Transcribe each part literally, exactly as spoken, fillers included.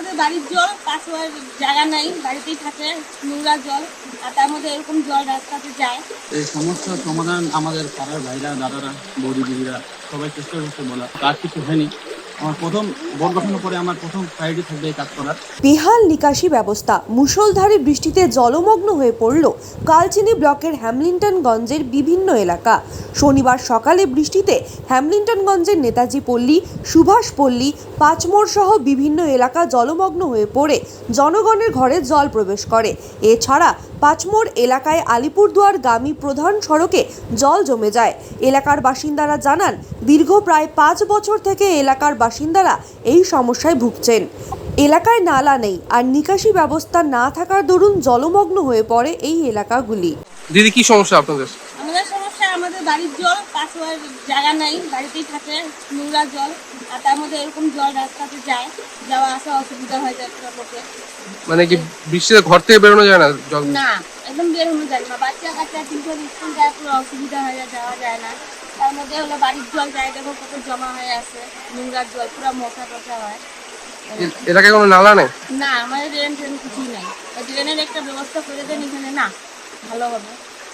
আমাদের বাড়ির জল, পাশে জায়গা নাই, বাড়িতেই থাকে নোংরা জল, আর তার মধ্যে এরকম জল রাস্তাতে যায়। এই সমস্যার সমাধান আমাদের পাড়ার ভাইরা, দাদারা, বৌদি দিদিরা সবাই চেষ্টা করছে বলা, কাজ কিছু হয়নি। আমার প্রথম বোর্ড গঠনের পরে আমার প্রথম প্রায়োরিটি থাকবে এই কাজ করার। বেহাল নিকাশি ব্যবস্থা। মুষলধারে বৃষ্টিতে জলমগ্ন হয়ে পড়ল কালচিনি ব্লকের হ্যামলিন্টনগঞ্জের বিভিন্ন এলাকা। শনিবার সকালে বৃষ্টিতে হ্যামলিন্টনগঞ্জের নেতাজি পল্লী, সুভাষ পল্লী, পাঁচমোড় সহ বিভিন্ন এলাকা জলমগ্ন হয়ে পড়ে জনগণের ঘরে জল প্রবেশ করে। এছাড়া পাঁচমোড় এলাকায় আলিপুরদুয়ার গামী প্রধান সড়কে জল জমে যায়। এলাকার বাসিন্দারা জানান, দীর্ঘ প্রায় পাঁচ বছর থেকে এলাকার বাসিন্দারা এই সমস্যায় ভুগছেন। এলাকায় নালা নেই আর নিকাশি ব্যবস্থা না থাকার দরুন জলমগ্ন হয়ে পড়ে এই এলাকাগুলি। দিদি, কি সমস্যা আপনাদের? আমাদের সমস্যা আমাদের বাড়ির জল, পাশে জায়গা নাই, বাড়িতেই থাকে নোংরা জল, আর তার মধ্যে এরকম জল রাস্তাতে যায়, যাওয়া আসা অসুবিধা হয়ে যায় লোকে। মানে কি বৃষ্টিতে ঘর থেকে বেরোনো যায় না? জল না, একদম বের হনো যায় না। বাচ্চা কাচ্চা তিনটে স্কুল যায়, পুরো অসুবিধা হয়ে যায়, যাওয়া যায় না। তার মধ্যে হলো বাড়ির জল যায়, দেখো কত জমা হয়ে আছে, নোংরা জল, পুরো মশা টশা হয়। এলাকায় কোনো নালা নেই? না, আমাদের ড্রেন ট্রেন কিছুই নাই। ড্রেনের একটা ব্যবস্থা করে দেন এখানে, না ভালো হবে।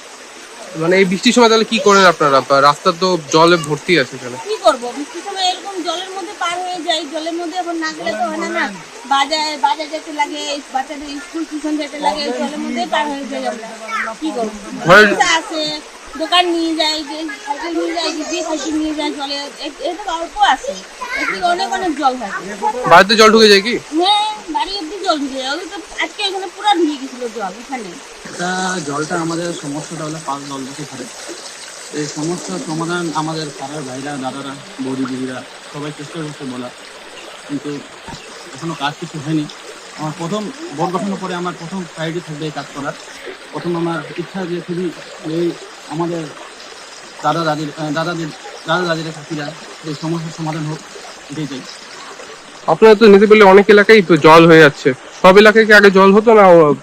মানে এই বৃষ্টির সময় তাহলে কি করেন আপনারা? রাস্তা তো জলে ভর্তি আছে এখানে। কি করবো, বৃষ্টির সময় এরকম জলের মধ্যে পার হয়ে যায়, জলের মধ্যে এখন না গেলে তো হয় না। না বাজার বাজার যেতে লাগে, বাচ্চাদের স্কুল টিউশন যেতে লাগে, জলের মধ্যেই পার হয়ে যায় আমরা। কি করবো, আছে দোকান নিয়ে যায়, যে সাইকেল নিয়ে যায়, যে সাইকেল নিয়ে যায়, জলে এটা অল্প আছে, একটু অনেক অনেক জল থাকে। বাড়িতে জল ঢুকে যায় কি? হ্যাঁ, বাড়ি অব্দি জল ঢুকে যায়। ওই তো আজকে এখানে পুরো ঢুকে গেছিল জল এখানে। এটা জলটা আমাদের সমস্যাটা হলো পাঁচ জল বসে ধরে। এই সমস্যার সমাধান আমাদের পাড়ার ভাইরা, দাদারা, বৌদি দিদিরা সবাই চেষ্টা করছে বলা, কিন্তু এখনো কাজ কিছু হয়নি। আমার প্রথম বোর্ড গঠনের পরে আমার প্রথম প্রায়োরিটি থাকবে এই কাজ করার। প্রথম আমার ইচ্ছা যে খুবই এই আমাদের দাদা দাদির দাদাদের দাদা দাদিরা কাকিরা এই সমস্যার সমাধান হোক, এটাই চাই। আপনারা তো নিতে পারলে অনেক এলাকায় তো জল হয়ে যাচ্ছে, সব এলাকায় কি আগে জল হতো না?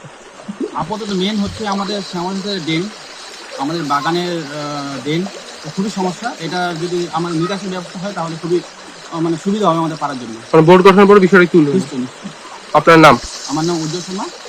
আপাতত মেন হচ্ছে আমাদের শ্যামলের ড্রেন, আমাদের বাগানের ড্রেন, খুবই সমস্যা। এটা যদি আমার নিকাশি ব্যবস্থা হয় তাহলে খুবই মানে সুবিধা হবে আমাদের পাড়ার জন্য। বোর্ড গঠনের পরে বিষয়টা কি হলো? নিশ্চয়ই নিশ্চয়ই। আপনার নাম? আমার নাম উজ্জ্বল শর্মা।